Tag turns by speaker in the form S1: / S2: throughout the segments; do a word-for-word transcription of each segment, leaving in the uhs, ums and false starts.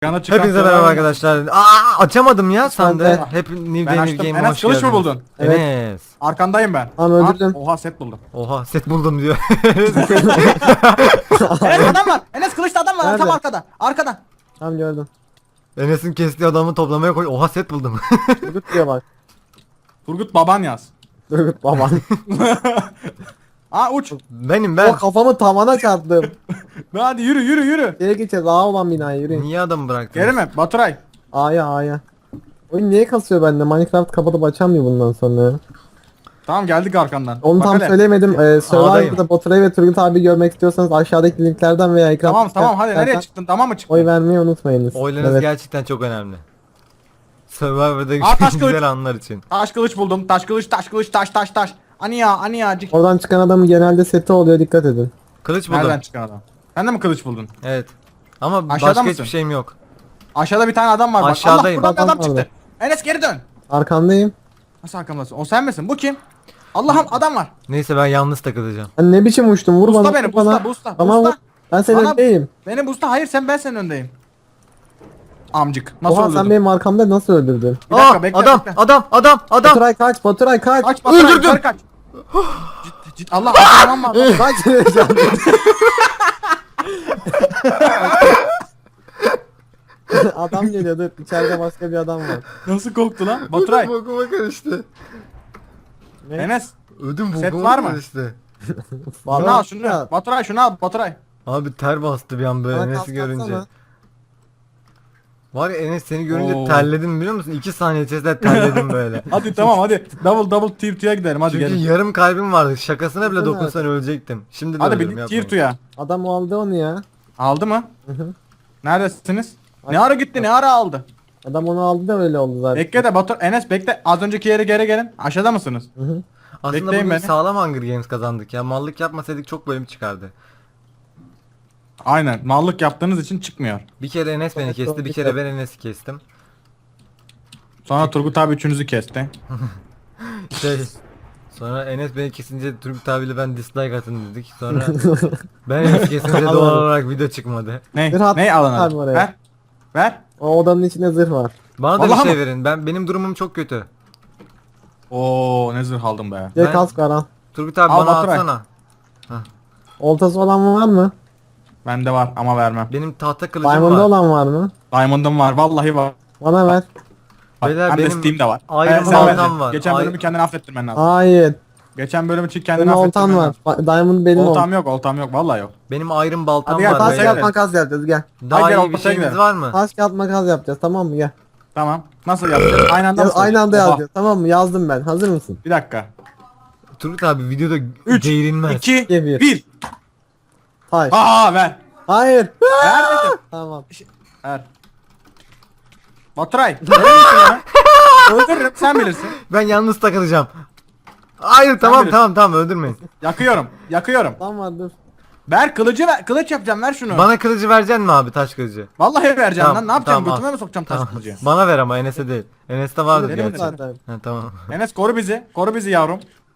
S1: Yana çıkan
S2: Hepinize
S1: sonra-
S2: merhaba arkadaşlar. Aa, açamadım ya sandı.
S3: de.
S2: Hep New
S1: Ben
S2: Day New
S1: açtım.
S2: Game'e
S1: Enes
S2: hoş
S1: kılıç mı
S2: geldiniz.
S1: buldun?
S3: Evet.
S2: Enes.
S1: Arkandayım ben.
S3: Tamam, öldürdüm.
S1: Aa, Oha set buldum.
S2: Oha set buldum diyor.
S1: Enes adam var. Enes kılıçta adam var.
S3: Nerede?
S1: Tam arkada. Arkada.
S3: Tamam gördüm.
S2: Enes'in kestiği adamı toplamaya koy. Oha set buldum.
S3: Turgut diyor bak.
S1: Turgut baban yaz.
S3: Turgut baban.
S1: Aa uç.
S2: Benim
S3: O
S2: ben.
S3: kafamı tavana çarptım.
S1: Hadi yürü yürü yürü.
S3: Geri gideceğiz. A olan binaya yürüyün.
S2: Niye adamı bıraktın?
S1: Geri mi? Baturay.
S3: A'ya A'ya. Oyun niye kasıyor bende? Minecraft kapatıp açamıyor bundan sonra.
S1: Tamam geldik arkandan.
S3: Onu
S1: Bak
S3: tam
S1: hele.
S3: söylemedim. Ee,
S2: A'dayım.
S3: Survivor'da Baturay ve Turgut abi görmek istiyorsanız aşağıdaki linklerden veya ekran
S1: Tamam tamam hadi
S3: linklerden
S1: nereye çıktın? Tamam mı çıktın?
S3: Oy vermeyi unutmayınız.
S2: Oylarınız
S3: Evet.
S2: gerçekten çok önemli. Survivor'da
S1: Aa, taş kılıç.
S2: güzel anlar için.
S1: Taş kılıç buldum. Taş kılıç taş kılıç taş taş taş. Aniya aniya. cik.
S3: Oradan çıkan adamın genelde seti oluyor, dikkat edin.
S2: Kılıç buldum.
S1: Nereden çıkan adam? Sen de mi kılıç buldun?
S2: Evet. Ama
S1: Aşağıda
S2: başka
S1: mısın?
S2: hiçbir şeyim yok.
S1: Aşağıda bir tane adam var. Bak.
S2: Aşağıdayım.
S1: Allah buradan bir adam
S3: Adam
S1: çıktı. Enes geri dön.
S3: Arkandayım.
S1: Nasıl arkamdasın? O sen misin? Bu kim? Allah'ım adam var.
S2: Neyse ben yalnız takılacağım.
S3: Hani ne biçim uçtum, vur
S1: Busta
S3: bana.
S1: beni,
S3: vur
S1: busta,
S3: bana.
S1: busta,
S3: Tamam
S1: busta.
S3: vur. Ben senin
S1: Bana-
S3: öndeyim.
S1: Benim busta hayır sen ben senin öndeyim. Amcık. Nasıl
S3: Oha
S1: öldürdün?
S3: sen benim arkamda nasıl öldürdün?
S1: Bir dakika,
S2: Aa,
S1: bekle,
S2: adam,
S1: bekle.
S2: adam adam adam
S3: Baturay kaç, Baturay kaç.
S1: Kaç Baturay,
S2: Öldürdüm.
S1: yukarı kaç. Cid, cid, Allah tamam mı?
S3: Kaç. Adam geliyor, dur içeride başka bir adam var.
S1: Nasıl korktu lan? Baturay.
S2: Bokuma karıştı.
S3: Ne?
S1: Enes.
S2: Ödüm
S1: Set
S2: bokuma
S1: var mı?
S2: karıştı.
S1: Şunu al şunu. Baturay şunu al Baturay.
S2: Abi ter bastı bir an böyle
S3: Bana
S2: Enes'i
S3: kask
S2: görünce.
S3: atsana.
S2: Var ya Enes seni görünce
S1: Oo.
S2: terledim biliyor musun? iki saniye içerisinde terledim böyle.
S1: Hadi tamam hadi. Double double tier two'ya gidelim hadi
S2: Çünkü
S1: gelin.
S2: yarım kalbim vardı. Şakasına bile
S3: Baksana.
S2: dokunsan ölecektim. Şimdi de
S1: Hadi
S2: ölürüm
S1: bir tier
S2: yapmayın.
S1: two'ya.
S3: Adam aldı onu ya.
S1: Aldı mı?
S3: Hı hı.
S1: Neredesiniz?
S3: Ay-
S1: Ne ara gitti ne ara aldı?
S3: Adam onu aldı da öyle oldu zaten.
S1: Bekle de Batur Enes bekle. Az önceki yere geri gelin. Aşağıda mısınız?
S3: Hı hı.
S2: Aslında
S1: Bekleyin
S2: bugün
S1: beni.
S2: sağlam Hunger Games kazandık ya. Mallık yapmasaydık çok bölüm çıkardı.
S1: Aynen. Mallık yaptığınız için çıkmıyor.
S2: Bir kere Enes beni
S3: Evet,
S2: kesti,
S3: doğru,
S2: bir kere ben Enes'i kestim.
S1: Sonra Turgut abi üçünüzü kesti.
S2: Şey, sonra Enes beni kesince Turgut abiyle ben dislike atın dedik. Sonra ben Enes'i kesince doğal olarak video çıkmadı.
S1: Ne?
S3: Bir hat-
S1: Ne alın
S3: var
S1: hadi.
S3: oraya.
S1: Ver. Ver.
S3: O odanın içinde zırh var.
S2: Bana da
S1: Vallahi
S2: bir şey
S1: mı?
S2: verin. Ben benim durumum çok kötü.
S1: Oo ne zırh aldım be.
S3: Bir
S2: Ben-
S3: kask var al.
S2: Turgut abi
S1: Al
S2: bana
S1: Baturay.
S2: atsana.
S3: Oltası olan var mı?
S1: Bende var ama vermem.
S2: Benim tahta kılıcım
S3: Diamond'da
S2: var.
S3: olan var mı?
S1: Diamond'ım var vallahi var.
S3: Bana ver.
S2: Beyler,
S1: Hem de
S2: benim
S1: Steam'de var.
S2: Iron
S1: Evet, sen
S2: Man'dan
S1: vereceksin.
S2: var.
S1: Geçen bölümü
S2: Ay-
S1: kendine affettirmen lazım.
S3: Hayır.
S1: Geçen bölüm için kendine
S3: Benim oltan
S1: affettirmen
S3: var.
S1: lazım.
S3: Ba- Diamond benim oltam.
S1: Oltam yok oltam yok vallahi yok.
S2: Benim iron baltam
S1: Hadi gel,
S2: var.
S1: taş
S3: Taş
S2: beyler.
S1: gel.
S3: kağıt makas yapacağız gel.
S2: Daha
S1: Hadi gel,
S2: iyi bir
S1: ortaya
S2: şeyiniz
S1: gidelim.
S2: var mı?
S3: Taş kağıt makas yapacağız, tamam mı, gel.
S1: Tamam. Nasıl yapacağız? Aynı anda
S3: Yaz,
S1: mı
S3: aynı anda
S1: söyleyeceğiz? Oha.
S3: yazacağız, tamam mı? Yazdım ben. Hazır mısın?
S1: Bir dakika.
S2: Turgut abi videoda
S1: üç,
S2: geğirilmez.
S1: iki,
S3: İki, bir.
S1: bir.
S3: Taş.
S1: Aa ver.
S3: Hayır.
S1: Ver dedim.
S3: Tamam.
S1: Ver. Baturay. Verir misin bana? Öldürürüm sen bilirsin.
S2: Ben yalnız takılacağım. Hayır tamam
S1: bilirsin.
S2: tamam tamam öldürmeyin.
S1: Yakıyorum. Yakıyorum.
S3: Tamam dur.
S1: Ver kılıcı ver. Kılıç yapacağım ver şunu.
S2: Bana kılıcı vereceksin mi abi, taş kılıcı?
S1: Vallahi vereceğim
S2: Tamam,
S1: lan. Ne yapacağım?
S2: tamam,
S1: Götüme
S2: al.
S1: mi sokacağım taş
S2: Tamam.
S1: kılıcı?
S2: Bana ver ama Enes'e değil. Enes'te vardır
S1: Benim
S2: gerçi.
S3: zaten.
S2: Ha, tamam.
S1: Enes koru bizi. Koru bizi yavrum.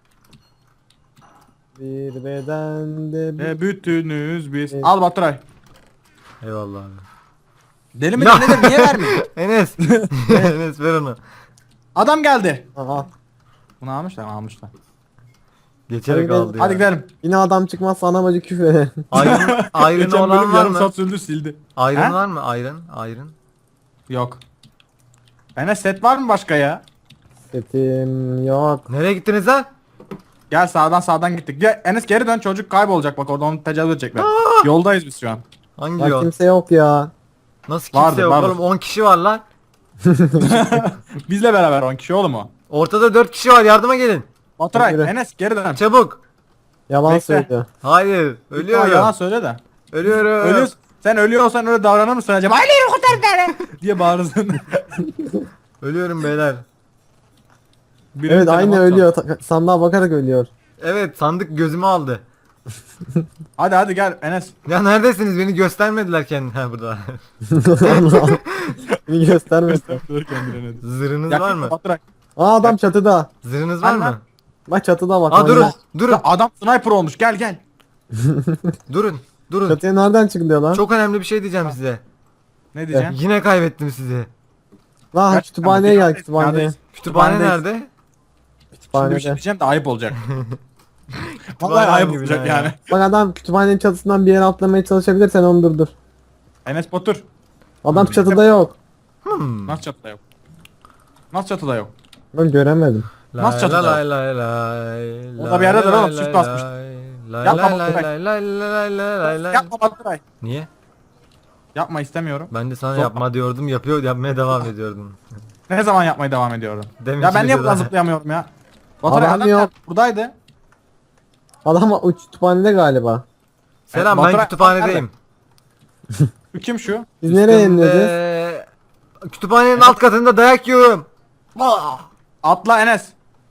S3: Bir bedende bir...
S1: Ve bütünüz biz.
S3: Evet.
S1: Al Baturay.
S2: Eyvallah abi.
S1: Deli mi
S2: Ya.
S1: nedir? Niye vermiyor?
S2: Enes. Enes ver onu.
S1: Adam geldi.
S3: Aha.
S1: Bunu almışlar almışlar.
S2: Geçerek
S3: Hadi
S2: aldı ya.
S1: Hadi gidelim.
S3: Yine adam çıkmazsa ana bacı küfür eder.
S2: Iron, iron
S1: Geçen
S2: olan
S1: bölüm
S2: var
S1: yarım
S2: mı?
S1: saat sürdü sildi.
S2: Iron
S1: He?
S2: var mı? Iron. Iron.
S1: Yok. Enes set var mı başka ya?
S3: Setim yok.
S2: Nereye gittiniz lan?
S1: Gel sağdan sağdan gittik. Gel Enes geri dön çocuk kaybolacak bak orada onu tecavüz edecekler. Yoldayız biz şu an.
S2: Hangi
S3: Ya
S2: yol?
S3: kimse yok ya.
S2: Nasıl kimse
S1: Vardır,
S2: yok
S1: vardır.
S2: oğlum, on kişi var lan.
S1: Bizle beraber on kişi oğlum o.
S2: Ortada dört kişi var, yardıma gelin.
S1: Baturay
S3: Yürü.
S1: Enes geri dön.
S2: Çabuk.
S3: Yalan
S1: Bekle.
S3: söylüyor.
S2: Hayır.
S1: Lütfen
S2: Ölüyorum.
S1: yalan söyle de.
S2: Ölüyorum.
S1: Ölüyorsun. Sen ölüyorsan öyle davranır mısın acaba? Aileyi kurtar beni diye bağırırsın.
S2: Ölüyorum beyler.
S1: Birinin
S3: Evet aynı
S1: telefonu
S3: ölüyor. Ta- sandığa bakarak ölüyor.
S2: Evet, sandık gözümü aldı.
S1: çal. Hadi hadi gel Enes.
S2: Ya neredesiniz? Beni göstermediler kendine. Ha burada.
S3: Beni göstermesin.
S1: Dur kendine.
S2: Zırhınız
S1: Yakın
S2: var mı?
S1: Baturay.
S3: Aa adam çatıda.
S2: Zırhınız var
S1: Var
S2: mı?
S3: Bak çatıda bak.
S2: Aa durun.
S3: Orada.
S2: Durun.
S1: Adam sniper olmuş gel gel.
S2: Durun. Durun.
S3: Çatıya nereden çıkılıyor lan?
S2: Çok önemli bir şey diyeceğim size.
S1: Ne diyeceksin?
S2: Yine kaybettim sizi.
S3: Lan
S1: Gerçekten
S3: kütüphaneye
S1: mi?
S3: gel kütüphaneye.
S1: Neredeyiz?
S2: Kütüphane
S1: Kütüphanedeyiz.
S2: nerede?
S1: Şimdi bir şey
S3: Kütüphanede.
S1: diyeceğim de ayıp olacak.
S2: Kütüphane
S1: Vallahi ayıp
S2: hangi
S1: olacak
S2: bina ya?
S1: yani.
S3: Bak adam kütüphanenin çatısından bir yere atlamaya çalışabilirsen onu durdur.
S1: Enes Batur.
S3: Adam çatıda yok.
S2: Hmm.
S1: Nasıl çatıda yok? Nasıl çatıda yok?
S3: Ben göremedim.
S1: Nasıl çatıda?
S2: Lay lay lay.
S1: Orada bir yerdedir oğlum, çift basmış.
S2: Lay
S1: Yapma
S2: lay lay
S1: Baturay.
S2: lay lay lay lay lay lay.
S1: Yapma Baturay.
S2: Niye?
S1: Yapma istemiyorum.
S2: Ben de sana
S1: Zor-
S2: yapma diyordum, yapıyor, yapmaya devam ediyordum.
S1: Ne zaman yapmaya devam ediyorum?
S2: Demin
S1: Ya ben niye
S2: videoda-
S1: buradan zıplayamıyorum ya? Baturay
S3: Adam
S1: adam
S3: yok.
S1: nerede? Buradaydı.
S3: Adam o kütüphanede galiba.
S2: Selam,
S1: Baturay-
S2: ben kütüphanedeyim.
S1: Şu kim şu?
S3: Biz nereye ineceğiz?
S2: Üstümde- Kütüphanenin alt katında dayak yiyorum.
S1: Atla Enes.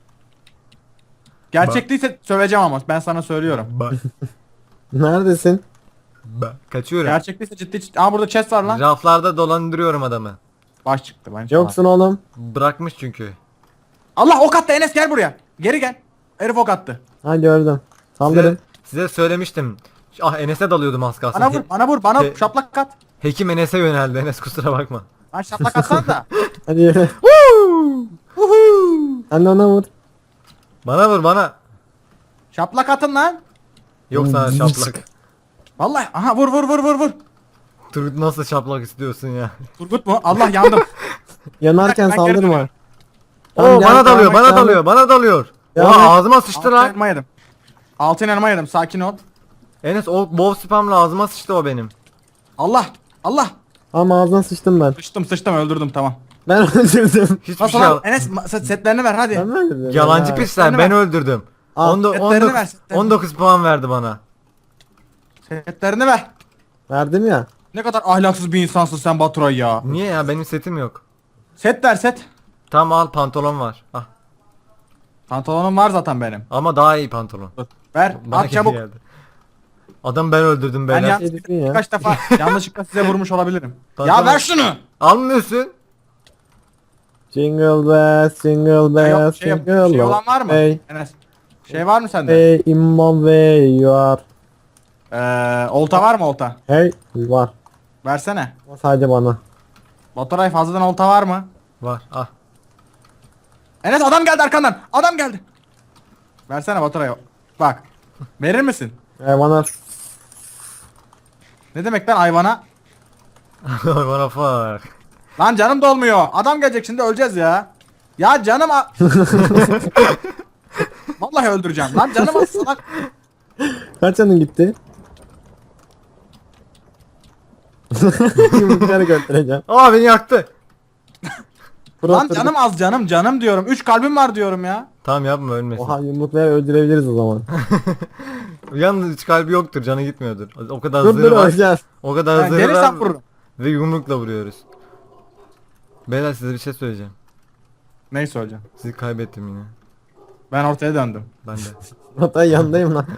S1: Gerçek değilse söveceğim ama ben sana söylüyorum.
S2: Ba
S3: Neredesin?
S2: ba Kaçıyorum.
S1: Gerçek değilse ciddi ciddi. Aa burada chest var lan.
S2: Raflarda dolandırıyorum adamı.
S1: Baş çıktı ben.
S3: Yoksun oğlum.
S2: Bırakmış çünkü.
S1: Allah ok attı Enes gel buraya. Geri gel. Herif ok attı.
S3: Ha gördüm.
S2: Size,
S3: Saldırın.
S2: size söylemiştim. Ah, Enes'e dalıyordum az kalsın.
S1: Bana vur
S2: He-
S1: bana vur bana
S2: He-
S1: şaplak at.
S2: Hekim Enes'e yöneldi. Enes kusura bakma.
S1: Lan şaplak atsan da.
S3: Hadi yürü. Sen de ona vur.
S2: Bana vur bana.
S1: Şaplak atın lan.
S2: Yok sana şaplak.
S1: Vallahi aha vur vur vur vur vur.
S2: Turgut nasıl şaplak istiyorsun ya?
S1: Turgut mu? Allah yandım.
S3: Yanarken
S1: Ben geri
S3: saldırma.
S1: dönüyorum.
S3: Tamam,
S2: Oo,
S3: gel,
S2: bana dalıyor,
S3: devam et,
S2: bana
S3: devam
S2: dalıyor,
S3: et.
S2: bana dalıyor.
S3: Devam
S2: Oha,
S3: et.
S2: ağzıma sıçtı
S1: Altın
S2: lan.
S1: elma yedim. Altın elma yedim sakin ol.
S2: Enes o bow spamla ağzıma sıçtı o benim.
S1: Allah Allah.
S3: Ama ağzına sıçtım ben.
S1: Sıçtım sıçtım öldürdüm tamam.
S3: Ben öldürdüm.
S2: Hiçbir
S1: Nasıl
S2: şey
S1: lan?
S2: al-
S1: Enes ma- set- setlerini ver hadi.
S3: Ben mi öldürdüm?
S2: Yalancı
S3: Ha.
S2: pisler,
S1: Setlerini
S2: ben
S1: ver.
S2: öldürdüm.
S3: Al,
S2: On do-
S1: setlerini
S2: on dokuz
S1: ver, setlerini.
S2: on dokuz puan verdi bana.
S1: Setlerini ver.
S3: Verdim ya.
S1: Ne kadar ahlaksız bir insansın sen Baturay ya.
S2: Niye ya, benim setim yok.
S1: Set ver set.
S2: Tamam, al pantolon var. Ah.
S1: Pantolonum var zaten benim.
S2: Ama daha iyi pantolon.
S1: Dur. Ver
S2: Bana
S1: at çabuk.
S2: geldi. Adam ben öldürdüm
S1: Ben
S2: beyler.
S1: ya-
S3: Şey dedin ya.
S1: Kaç defa yanlışlıkla size vurmuş olabilirim.
S2: Pantolon-
S1: Ya ver şunu.
S2: Almıyorsun.
S3: Jingle bells, jingle
S1: Şey, yok,
S3: bells,
S1: şey,
S3: jingle
S1: şey olan var mı?
S3: Hey,
S1: Enes. Şey var mı sende?
S3: hey, in my way you are.
S1: Ee, olta var mı olta?
S3: Hey, var.
S1: Versene.
S3: Ama sadece bana.
S1: Baturay fazladan olta var mı?
S2: Var. Ah.
S1: Enes adam geldi arkandan. Adam geldi. Versene Baturay. Bak. Verir misin?
S3: Ee, bana
S1: Ne demek lan hayvana?
S2: Bana fuck.
S1: Lan canım dolmuyor. Adam gelecek şimdi öleceğiz ya. Ya canım a- Vallahi öldüreceğim. Lan canım az salak.
S3: kaç canın gitti? Yumrukları göstereceğim.
S2: Aa, beni yaktı.
S1: Lan canım az canım canım diyorum. Üç kalbim var diyorum ya.
S2: Tamam, yapma, ölmesin.
S3: Oha, yumrukları öldürebiliriz o zaman.
S2: Yalnız hiç kalbi yoktur, canı gitmiyordur. O kadar
S3: Dur dur
S2: zırhı var.
S3: öleceğiz.
S2: O kadar
S1: Ben
S2: zırhı
S1: gelirsem
S2: var
S1: vururum.
S2: ve yumrukla vuruyoruz. Beyler, size bir şey söyleyeceğim.
S1: Neyi söyleyeceğim?
S2: Sizi kaybettim yine.
S1: Ben ortaya döndüm.
S2: Ben de.
S3: Hatta yandayım lan.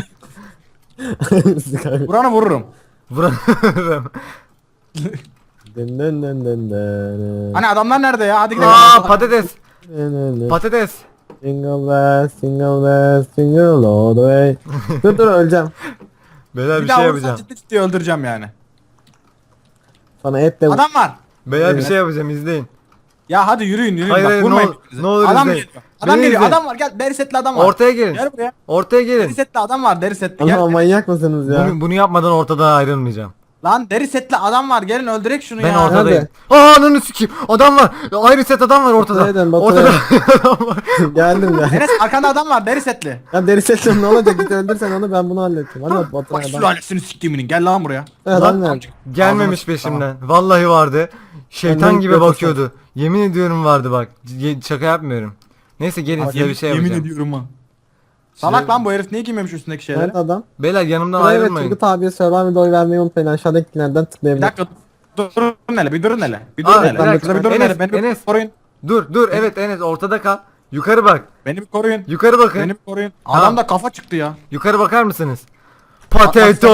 S3: Sizi kaybettim.
S1: Buranı vururum.
S2: Vuramıyorum.
S3: Dın dın dın dın dın.
S1: Hani adamlar nerede ya? Hadi gidelim.
S2: Aa, patates.
S3: Dın dın dın.
S2: Patates.
S3: Jingle bells, jingle bells, jingle all the way. Dur dur öleceğim.
S2: Beyler, bir,
S1: Bir
S2: şey
S1: daha vurursan
S2: yapacağım.
S1: ciddi ciddi öldüreceğim yani.
S3: Sana etle vur.
S1: Adam var.
S2: Beyler, bir
S3: Evet.
S2: şey yapacağım, izleyin.
S1: Ya hadi yürüyün yürüyün.
S2: Hayır,
S1: Bak
S2: hayır,
S1: vurmayın.
S2: ne ol-
S1: birbirinize.
S2: ne olur
S1: Adam
S2: izleyin.
S1: geliyor. Adam
S2: Beni
S1: geliyor.
S2: izleyin.
S1: Adam var. Gel deri setli adam var.
S2: Ortaya gelin.
S1: Gel buraya.
S2: Ortaya
S1: Deri
S2: gelin.
S1: setli adam var. Deri setli.
S3: Ama
S1: Gel.
S3: manyak mısınız ya?
S2: Bunu, bunu yapmadan ortadan ayrılmayacağım.
S1: Lan deri setli adam var. Gelin öldürek şunu
S2: Ben
S1: ya.
S2: ortadayım. Aa, ananı sikeyim. Adam var. Ayrı set adam var ortada.
S3: Nereden Batu?
S2: Ortada adam var.
S3: Geldim ya.
S1: Enes arkanda adam var. Deri setli.
S3: Ya deri sesim ne olacak? Git öldürsen onu, ben bunu halledeceğim. Hadi Batu
S1: Bak
S3: adam.
S1: sülalesini siktiminin. Gel lan buraya.
S3: Adam nerede?
S2: Gelmemiş
S1: Ağzına-
S2: peşimden. Vallahi vardı. Şeytan
S3: Önden
S2: gibi
S3: gidiyor
S2: bakıyordu. Yemin ediyorum vardı bak. Ye- Şaka yapmıyorum. Neyse, gelin
S1: Bak,
S2: size
S1: yemin,
S2: bir şey
S1: yemin
S2: yapacağım.
S1: ediyorum ha. Salak lan bu herif niye giymemiş üstündeki şeyleri?
S3: Nerede adam?
S2: Beyler, yanımdan
S3: Buraya ve
S2: ayrılmayın.
S3: Turgut abiye Survivor'da oy vermeyi unutmayın. Aşağıdaki linklerden
S1: Bir
S3: tıklayabilir.
S1: dakika dur- durun hele bir durun hele. Bir
S2: Aa,
S1: durun
S2: bir
S1: hele.
S2: dakika.
S1: Şurada bir durun
S2: Enes,
S1: hele. Beni bir
S2: Enes.
S1: koruyun.
S2: Dur dur, evet Enes, ortada kal. Yukarı bak.
S1: Beni bir koruyun.
S2: Yukarı bakın.
S1: Beni bir koruyun.
S2: Tamam.
S1: Adamda kafa çıktı ya.
S2: Yukarı bakar mısınız? Potato.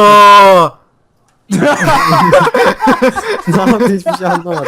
S3: Ne yaptı hiçbir şey anlamadım.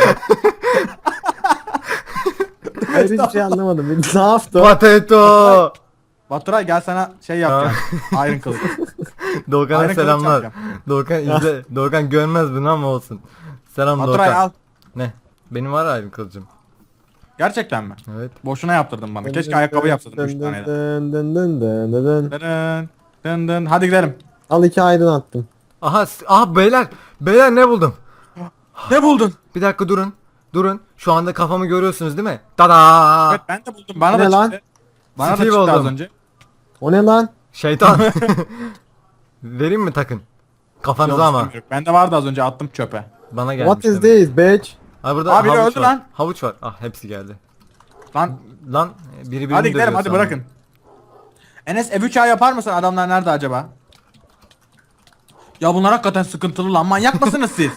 S3: Hayır hiçbir şey anlamadım. Bir- Ne yaptı? o?
S2: Potato.
S1: Baturay gel sana şey yapacağım. Iron kılıç.
S2: Doğukan'a
S1: Aynen, kılıç
S2: selamlar.
S1: yapacağım.
S2: Doğukan izle. Doğukan görmez bunu ama olsun. Selam
S1: Baturay
S2: Doğukan.
S1: al.
S2: Ne? Benim var ayrı kılıcım.
S1: Gerçekten mi?
S2: Evet.
S1: Boşuna yaptırdın bana. Keşke ayakkabı yapsaydın üç tane de.
S3: Dın dın dın dın dın dın.
S1: Dın dın dın. Hadi gidelim.
S3: Al iki ayrın attım.
S2: Aha, s- aha beyler. Beyler ne buldum?
S1: Ne buldun?
S2: Bir dakika durun. Durun. Şu anda kafamı görüyorsunuz değil mi? Tada!
S1: Evet ben de buldum. Bana
S3: Ne
S1: da
S3: lan?
S1: çıktı. Bana da
S2: Steve
S1: çıktı az
S2: oldum.
S1: önce.
S3: O ne lan?
S2: Şeytan. Vereyim mi takın? Kafanıza
S1: Yok,
S2: ama.
S1: istemiyorum. Bende vardı az önce attım çöpe.
S2: Bana gelmiş.
S3: What is
S2: demek.
S3: this bitch?
S2: Ha burada
S1: Abi, biri
S2: havuç
S1: öldü
S2: var.
S1: lan.
S2: Havuç var. Ah hepsi geldi.
S1: Lan
S2: Lan biri birini
S1: hadi gidelim
S2: dövüyor
S1: hadi
S2: sandım.
S1: bırakın. Enes F üç A yapar mısın? Adamlar nerede acaba? Ya bunlar hakikaten sıkıntılı lan. Manyak mısınız siz?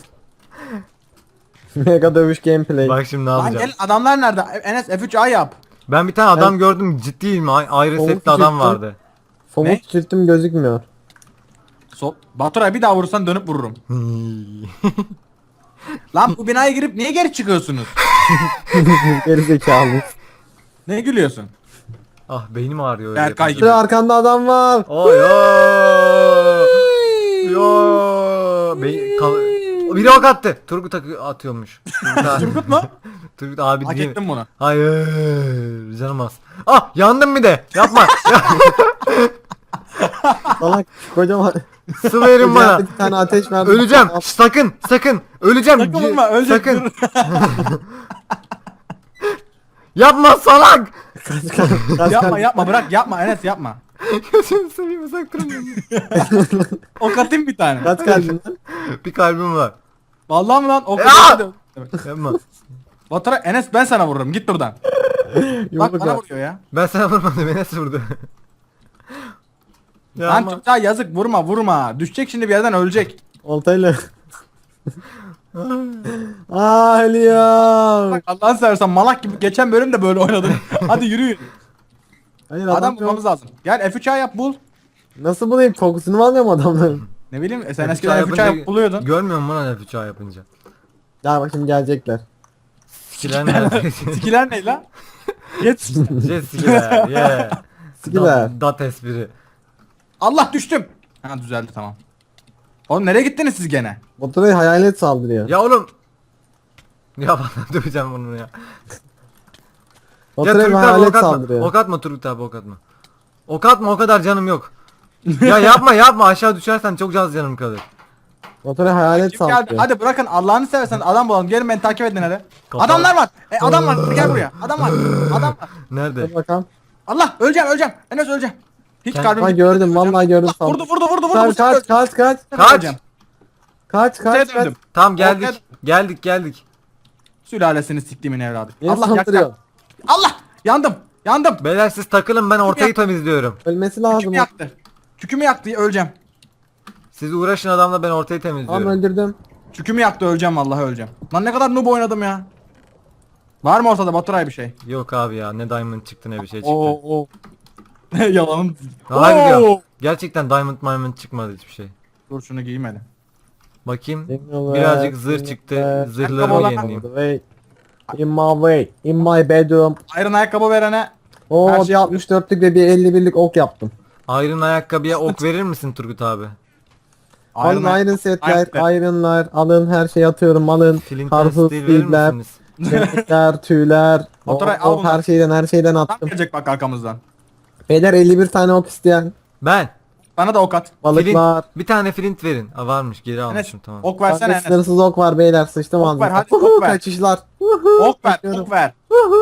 S3: Mega dövüş gameplay.
S2: Bak şimdi ne
S1: Lan
S2: yapacağım.
S1: gelin adamlar nerede? Enes F üç A yap.
S2: Ben bir tane adam gördüm, ciddiyim. Ay- Ayrı
S3: Soğuk
S2: setli adam
S3: çektim.
S2: vardı.
S1: Ne?
S3: Somut çirtim gözükmüyor.
S1: Sol. Baturay bir daha vurursan dönüp vururum. Lan bu binaya girip niye geri çıkıyorsunuz?
S3: Geri zekalı.
S1: Ne gülüyorsun?
S2: Ah beynim ağrıyor öyle.
S1: Berkay
S2: yapınca.
S1: gibi.
S3: Bir arkanda adam var.
S2: Oy yo. Yo. Bey kal- biri ok attı. Turgut akı- atıyormuş. Turgut,
S1: Turgut mu?
S2: Turgut abi
S1: Hak
S2: değil.
S1: ettim bunu.
S2: Hayır. Canım az. Ah yandım bir de. Yapma.
S3: Salak kocaman.
S2: Su verin bana.
S3: Bir tane ateş verdi.
S2: Öleceğim. Şş, sakın. Sakın. Öleceğim.
S1: Sakın vurma, ölecek,
S2: Sakın.
S1: dur.
S2: Yapma salak.
S3: Kaç kaç. kaç,
S1: Yapma
S3: kaç.
S1: yapma bırak yapma Enes yapma.
S2: Gözünü seveyim uzak durun.
S1: Ok atayım bir tane.
S3: Kaç kalbin lan?
S2: Bir kalbim var.
S1: Vallahi mi lan? Ok
S2: Ya!
S1: atayım.
S2: Yapma.
S1: Baturay Enes ben sana vururum git buradan. Bak
S3: Yumruk
S1: bana
S3: at.
S1: vuruyor ya.
S2: Ben sana vurmadım. Beni nasıl vurdu? Ya
S1: Lan
S2: ama-
S1: çocuğa yazık vurma vurma. Düşecek şimdi bir yerden ölecek.
S3: Oltayla. Aa ölüyor.
S1: Bak Allah'ını seversen malak gibi geçen bölüm de böyle oynadık. Hadi yürüyün.
S3: Hayır
S1: Adam,
S3: adam yok.
S1: bulmamız lazım. Gel F üç A yap bul.
S3: Nasıl bulayım? Kokusunu mu almıyor mu adamların?
S1: Ne bileyim e, sen
S2: F üç A
S1: eskiden F üç A
S2: yapınca-
S1: yap buluyordun.
S2: Görmüyor musun lan F üç A yapınca?
S3: Ya bak şimdi gelecekler.
S2: Sikiler nerede?
S1: Sikiler ne lan? Geç.
S2: Jet sikiler. Yeah.
S3: Sikiler.
S2: Dat, dat espri.
S1: Allah düştüm. Ha düzeldi tamam. Oğlum nereye gittiniz siz gene?
S3: Baturay'a hayalet saldırıyor.
S2: Ya oğlum. Ya bana döveceğim bunu ya. Ya
S3: Baturay'a
S2: Turgut abi
S3: hayalet
S2: ok atma.
S3: saldırıyor.
S2: Ok atma Turgut abi ok atma. Ok atma o kadar canım yok. Ya yapma yapma aşağı düşersen çok az canım kalır.
S3: Baturay'a hayalet
S1: Kim geldi?
S3: saldırıyor.
S1: Hadi bırakın Allah'ını seversen adam bulalım. Gelin beni takip edin hadi.
S2: Kafa-
S1: Adamlar var. E, adam var. Gel buraya. Adam var. Adam var.
S2: Nerede?
S3: Dur bakalım.
S1: Allah öleceğim öleceğim. Enes öleceğim. Hiç
S2: Kend-
S1: kalbim
S3: Ha gördüm vallahi gördüm
S1: Allah, vurdu vurdu vurdu vurdu.
S3: Kaç
S1: Bu sefer
S3: kaç kaç kaç.
S2: Kaç?
S1: öleceğim.
S3: Kaç
S1: Şuraya
S3: kaç kaç.
S1: döndüm.
S2: Tamam geldik.
S1: Ortaya-
S2: Geldik geldik.
S1: Sülalesini siktiğimin evladı.
S3: Niye
S1: Allah
S3: saldırıyor?
S1: yaktı. Allah yandım. Yandım.
S2: Beyler siz takılın ben ortayı
S1: yak-
S2: temizliyorum.
S3: Ölmesi lazım.
S1: Tükümü yaktı. Tükümü yaktı öleceğim.
S2: Siz uğraşın adamla ben ortayı
S3: Tamam
S2: temizliyorum.
S3: öldürdüm.
S1: Tükümü yaktı öleceğim vallahi öleceğim. Lan ne kadar noob oynadım ya. Var mı ortada Baturay bir şey?
S2: Yok abi ya ne diamond çıktı ne bir şey çıktı.
S1: Oo oo. Yalanım.
S2: Harbi
S1: Oo.
S2: diyorum. Gerçekten diamond diamond çıkmadı hiçbir şey.
S1: Dur şunu giyeyim hadi.
S2: Bakayım.
S3: Dinle
S2: Birazcık
S3: be,
S2: zırh
S3: dinle
S2: çıktı.
S3: be.
S2: Zırhlarımı
S1: Ayakkabı
S2: yenileyim.
S3: Wait. In my way. In my bedroom.
S1: Iron ayakkabı verene
S3: Oo
S1: Her
S3: bir
S1: şey-
S3: altmış dörtlük ve bir elli birlik ok yaptım.
S2: Iron ayakkabıya ok verir misin Turgut abi?
S3: Alın
S1: ayak-
S3: iron setler,
S1: ayak-
S3: ironlar, alın her şeyi atıyorum, alın.
S2: Flint and
S3: Karpuz,
S2: steel verir
S3: feedler,
S2: misiniz?
S3: kemikler, tüyler. O,
S1: Oturay, al
S3: o,
S1: bunları.
S3: her şeyden her şeyden
S1: Tam
S3: attım.
S1: gelecek bak arkamızdan.
S3: Beyler elli bir tane ok isteyen.
S2: Ben.
S1: Bana da ok at.
S3: Balıklar.
S2: Flint, bir tane flint verin. Aa, varmış geri
S1: Enes
S2: almışım tamam.
S1: ok versene
S3: Bende
S1: Enes.
S3: sınırsız ok var beyler, sıçtım
S1: Ok
S3: ağzına.
S1: ver, hadi ok ver.
S3: Kaçışlar.
S1: Ok ver,
S3: Kaçıyorum.
S1: ok ver.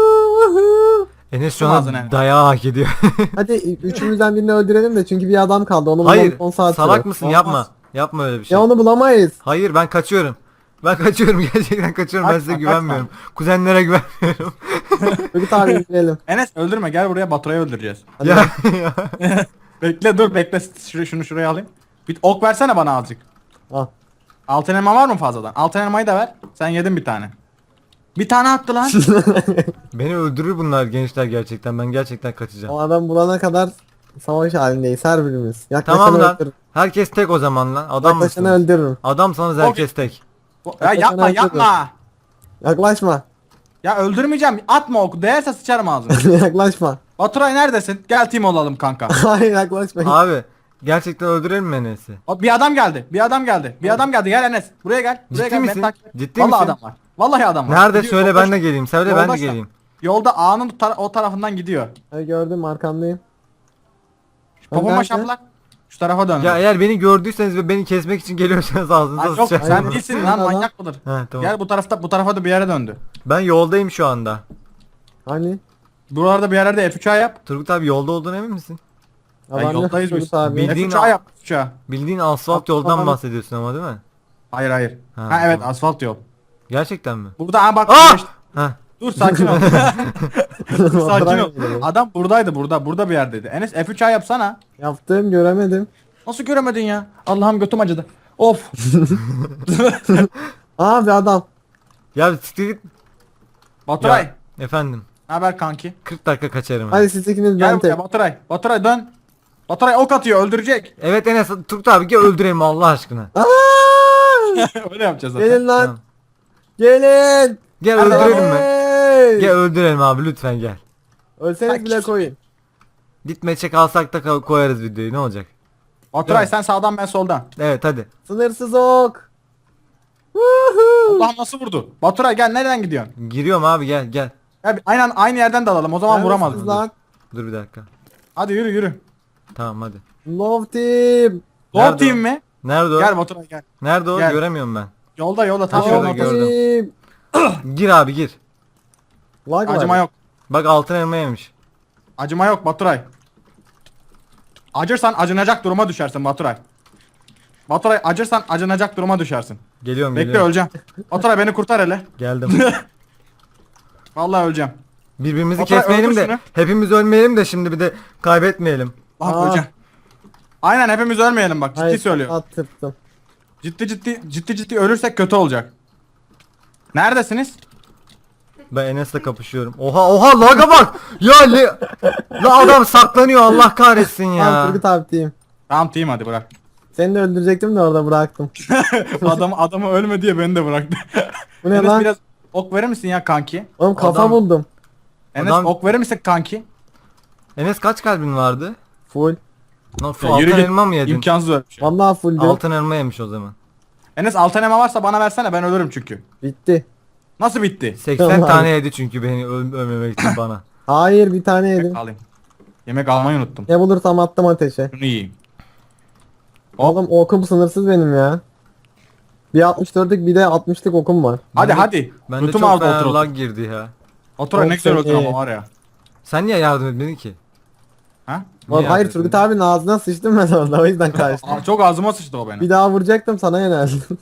S2: Enes şu
S1: Ağzına
S2: an
S1: Enes.
S2: dayağı hak ediyor.
S3: Hadi üçümüzden birini öldürelim de çünkü bir adam kaldı, onu
S2: Hayır
S3: bulmam on saat
S2: salak
S3: sürer.
S2: mısın
S1: Olmaz.
S2: yapma. Yapma öyle bir şey.
S3: Ya onu bulamayız.
S2: Hayır ben kaçıyorum. Ben kaçıyorum gerçekten kaçıyorum ben
S1: Kaçma,
S2: size
S1: kaçma.
S2: güvenmiyorum. Kuzenlere güvenmiyorum.
S3: Bir tane indirelim.
S1: Enes öldürme gel buraya Baturay'ı öldüreceğiz.
S3: Hadi
S2: ya,
S3: bak.
S2: ya.
S1: Bekle dur bekle şunu, şunu şuraya alayım. Bir ok versene bana azıcık.
S3: Al.
S1: Altın elma var mı fazladan? Altın elmayı da ver. Sen yedin bir tane. Bir tane attı lan.
S2: Beni öldürür bunlar gençler gerçekten. Ben gerçekten kaçacağım.
S3: O adam bulana kadar savaş halindeyiz her birimiz. Yaklaşanı
S2: Tamam lan.
S3: öldürürüm.
S2: Herkes tek o zaman lan. Adam
S3: Yaklaşanı
S2: mısınız?
S3: öldürürüm.
S2: Adamsanız herkes tek.
S1: ya yapma yapma.
S3: Yaklaşma.
S1: Ya öldürmeyeceğim. Atma oku. Değerse sıçarım ağzına.
S3: Yaklaşma.
S1: Baturay neredesin? Gel team olalım kanka.
S3: Hayır yaklaşma.
S2: Abi Gerçekten öldürelim mi Enes'i?
S1: O, bir adam geldi. Bir adam geldi. Bir adam geldi. Gel Enes. Buraya gel. Buraya
S2: Ciddi
S1: gel. Beni
S2: misin?
S1: takip et.
S2: Ciddi
S1: Vallahi
S2: misin?
S1: adam var. Vallahi adam var.
S2: Nerede?
S1: Gidiyor,
S2: Söyle
S1: yolda-
S2: ben de geleyim. Söyle ben de
S1: yolda-
S2: geleyim.
S1: Yolda ağanın tara- o tarafından gidiyor.
S3: Ha, gördüm arkandayım.
S1: Popoma
S3: nerede?
S1: şaplak. Şu tarafa dön.
S2: Ya eğer beni gördüyseniz ve beni kesmek için geliyorsanız ağzınıza
S1: Lan yok
S2: sıçarım.
S1: sen değilsin lan,
S3: Adam-
S1: manyak mıdır?
S2: He tamam.
S1: Gel bu tarafta, bu tarafa da bir yere döndü.
S2: Ben yoldayım şu anda.
S3: Hani?
S1: Buralarda bir yerlerde F üç A yap.
S2: Turgut abi yolda olduğuna emin misin?
S1: Ya
S3: Adam yok,
S1: yoldayız biz.
S3: Turgut abi.
S2: Bildiğin
S1: F üç A
S2: al-
S1: yap. F üç A.
S2: Bildiğin asfalt
S3: Bak,
S2: yoldan
S3: bana-
S2: bahsediyorsun ama değil mi?
S1: Hayır hayır.
S2: Ha,
S1: Ha, evet
S2: tamam.
S1: asfalt yol.
S2: Gerçekten mi?
S1: Burada ha bak.
S2: Aa!
S1: güneş-
S2: Heh.
S1: Dur sakin ol. Dur sakin ol.
S3: Bırak.
S1: Adam buradaydı, burada. Burada bir yerdeydi. Enes F üç A yapsana.
S3: Yaptım göremedim.
S1: Nasıl göremedin ya? Allah'ım götüm acıdı. Of.
S3: Aa bir adam.
S2: Ya siktir git.
S1: Baturay.
S2: Ya, efendim.
S1: Ne haber kanki?
S2: kırk dakika kaçarım.
S3: Hadi siz ikiniz
S1: Gel
S3: ben tek.
S1: buraya Baturay. Baturay dön. Baturay ok atıyor, öldürecek.
S2: Evet Enes Turgut abi gel öldürelim Allah aşkına.
S3: Aa!
S1: Öyle yapacağız zaten.
S3: Gelin lan.
S2: Tamam.
S3: Gelin.
S2: Gel
S1: Hadi
S2: öldürelim mi?
S3: Hey!
S2: Gel öldürelim abi lütfen gel.
S3: Ölseniz bile koyun.
S2: Gitme alsak da ko- koyarız videoyu ne olacak?
S1: Baturay
S2: Değil mi?
S1: sen sağdan ben soldan.
S2: Evet hadi.
S3: Sınırsız ok. Woohoo!
S1: Allah nasıl vurdu? Baturay gel, nereden gidiyorsun?
S2: Giriyorum abi gel gel.
S1: Gel, aynen aynı yerden dalalım, o zaman vuramaz.
S3: Neredesiniz
S1: bizi.
S3: lan?
S2: Dur bir dakika.
S1: Hadi yürü yürü.
S2: Tamam hadi.
S3: Love team.
S1: Lord
S2: Nerede
S1: team
S2: o?
S1: mi?
S2: Nerede o?
S1: Gel Baturay gel.
S2: Nerede o?
S1: Gel.
S2: Göremiyorum ben.
S1: Yolda yolda tam
S2: Şurada
S1: yolun
S3: Love
S1: ortasında.
S2: gördüm.
S3: team.
S2: Gir abi gir.
S3: Lag var.
S1: Acıma yok.
S2: Bak altın elma yemiş.
S1: Acıma yok Baturay. Acırsan acınacak duruma düşersin Baturay. Baturay acırsan acınacak duruma düşersin.
S2: Geliyorum
S1: Bekle
S2: geliyorum.
S1: öleceğim. Baturay beni kurtar hele.
S2: Geldim.
S1: Vallahi öleceğim.
S2: Birbirimizi
S1: Baturay,
S2: kesmeyelim
S1: öldür
S2: de
S1: şunu.
S2: hepimiz ölmeyelim de şimdi bir de kaybetmeyelim.
S1: Lan
S3: Aa.
S1: öleceğim. Aynen hepimiz ölmeyelim bak, ciddi
S3: Hayır,
S1: söylüyorum.
S3: attırttım.
S1: Ciddi ciddi ciddi ciddi ölürsek kötü olacak. Neredesiniz?
S2: Ben Enes'le kapışıyorum. Oha oha laga bak. Ya le... La adam saklanıyor Allah kahretsin
S3: Tamam
S2: ya.
S3: Turgut abi team.
S1: Tamam team hadi bırak.
S3: Seni de öldürecektim de orada bıraktım.
S1: Adam adamı ölme diye beni de bıraktı.
S3: Bu ne
S1: Enes
S3: lan?
S1: biraz ok verir misin ya kanki?
S3: Oğlum kafa
S2: Adam-
S3: buldum.
S1: Enes
S2: Adam-
S1: ok verir misin kanki?
S2: Enes kaç kalbin vardı?
S3: Full.
S2: Nasıl
S1: Ya
S2: altın
S1: yürü git.
S2: elma mı yedin?
S1: İmkansız öyle bir şey.
S3: Vallahi fulldü.
S2: Altın elma yemiş o zaman.
S1: Enes altın elma varsa bana versene, ben ölürüm çünkü.
S3: Bitti.
S1: Nasıl bitti?
S2: seksen
S3: Tamam.
S2: tane yedi çünkü beni öl ölmemek için bana.
S3: Hayır bir tane yedim.
S1: Yemek alayım. Yemek almayı unuttum.
S3: Ne bulursam attım ateşe.
S1: Şunu yiyeyim.
S3: Oğlum okum sınırsız benim ya. Bir altmış dörtlük bir de altmışlık okum var.
S1: Hadi
S2: Bende-
S1: hadi.
S2: Bende
S1: Lütum
S2: çok
S1: aldı
S2: fena
S1: otur otur.
S2: lag girdi ya.
S1: Otur ne
S3: Çok
S1: güzel otur
S3: iyi.
S1: ama var ya.
S2: Sen niye yardım etmedin ki?
S1: Ha?
S2: Niye
S3: Oğlum, hayır
S2: yardım
S3: Turgut
S2: etmedin?
S3: abinin ağzına sıçtım ben orada o yüzden kaçtım.
S1: Aa, çok ağzıma sıçtı o benim.
S3: Bir daha vuracaktım sana yöneldim.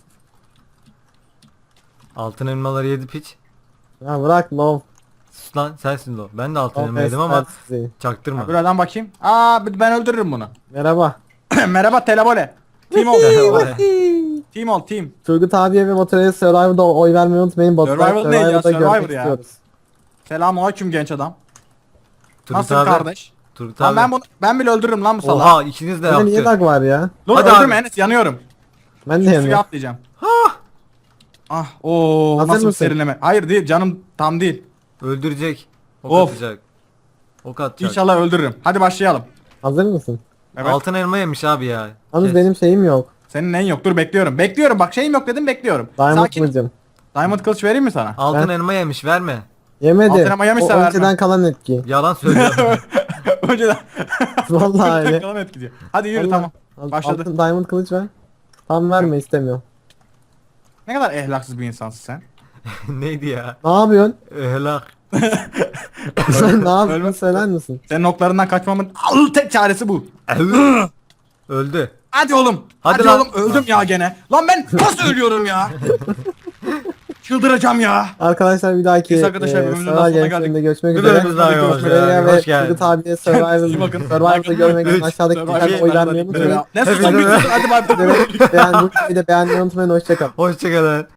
S2: Altın elmaları yedi piç.
S3: Ya bırak love.
S2: Sus lan sensin o. Ben de altın
S3: Love
S2: elma yedim ama
S3: esmersiz.
S2: çaktırma.
S1: Buradan bakayım. Aa ben öldürürüm bunu.
S3: Merhaba.
S1: Merhaba telebole. Team ol. Team ol team.
S3: Turgut abiye ve Baturay'a Survivor'da oy vermeyi unutmayın. Baturay'ı
S1: Survivor ne ya?
S3: Survivor'da
S1: Survivor
S3: görmek
S1: ya.
S3: istiyoruz.
S1: Selamünaleyküm genç adam.
S2: Turgut
S1: Nasıl
S2: abi,
S1: kardeş?
S2: Turgut
S1: Lan
S2: abi.
S1: ben bunu ben bile öldürürüm lan bu salağı.
S2: Oha ikiniz de
S3: Burada niye
S2: yaptı.
S3: lag var ya?
S1: Dur
S2: Hadi
S1: öldürme
S2: abi.
S1: Enes, yanıyorum.
S3: Ben de
S1: Suya
S3: yanıyorum.
S1: atlayacağım. Ah o
S3: Hazır
S1: nasıl bir
S3: mısın?
S1: serinleme. Hayır değil canım, tam değil.
S2: Öldürecek. Ok
S1: Of.
S2: atacak. Ok atacak.
S1: İnşallah öldürürüm. Hadi başlayalım.
S3: Hazır mısın?
S1: Evet.
S2: Altın elma yemiş abi ya.
S3: Yalnız
S2: Kes.
S3: benim şeyim yok.
S1: Senin neyin yok? Dur bekliyorum. Bekliyorum. Bak şeyim yok dedim, bekliyorum.
S3: Diamond
S1: Sakin.
S3: kılıcım.
S1: Diamond kılıç vereyim mi sana?
S2: Altın
S3: Ben-
S2: elma yemiş verme.
S3: Yemedi.
S1: Altın ama yemişse
S3: o
S1: vermem.
S3: önceden kalan etki.
S2: Yalan söylüyor.
S1: Önceden.
S3: Vallahi öyle.
S1: Kalan et gidiyor. Hadi yürü
S3: Allah.
S1: tamam.
S3: Al-
S1: Başladı.
S3: Altın diamond kılıç ver. Tam verme istemiyorum.
S1: Ne kadar ehlaksız bir insansın sen.
S2: Neydi ya?
S3: Ne yapıyorsun?
S2: Ehlak.
S3: Sen ne yapıyorsun
S1: Ölme-
S3: söyler misin?
S1: Senin oklarından kaçmamın al tek çaresi bu.
S2: Öldü.
S1: Hadi oğlum.
S2: Hadi
S1: Hadi,
S2: lan.
S1: oğlum öldüm ya gene. Lan ben nasıl ölüyorum ya? Çıldıracağım ya.
S3: Arkadaşlar bir dahaki
S1: Neyse arkadaşlar,
S3: eee,
S1: bölümümüzün
S3: Survivor
S1: sonuna
S3: Games'inde
S1: geldik.
S3: görüşmek
S2: Bir
S3: üzere.
S2: bölümümüz daha
S1: Görüşmek
S2: olsun.
S1: üzere.
S3: Buraya
S2: Hoş
S3: ve
S2: geldin.
S3: Turgut abiye Survivor,
S1: İyi bakın.
S3: Survivor'da görmek için
S2: Üç.
S3: aşağıdaki
S1: Survivor.
S3: tuşa oy vermeyi unutmayın.
S1: Ne susun bir susun, hadi bay bay.
S3: Beğen, bu videoyu da beğenmeyi unutmayın. Hoşçakalın.
S2: Hoşçakalın.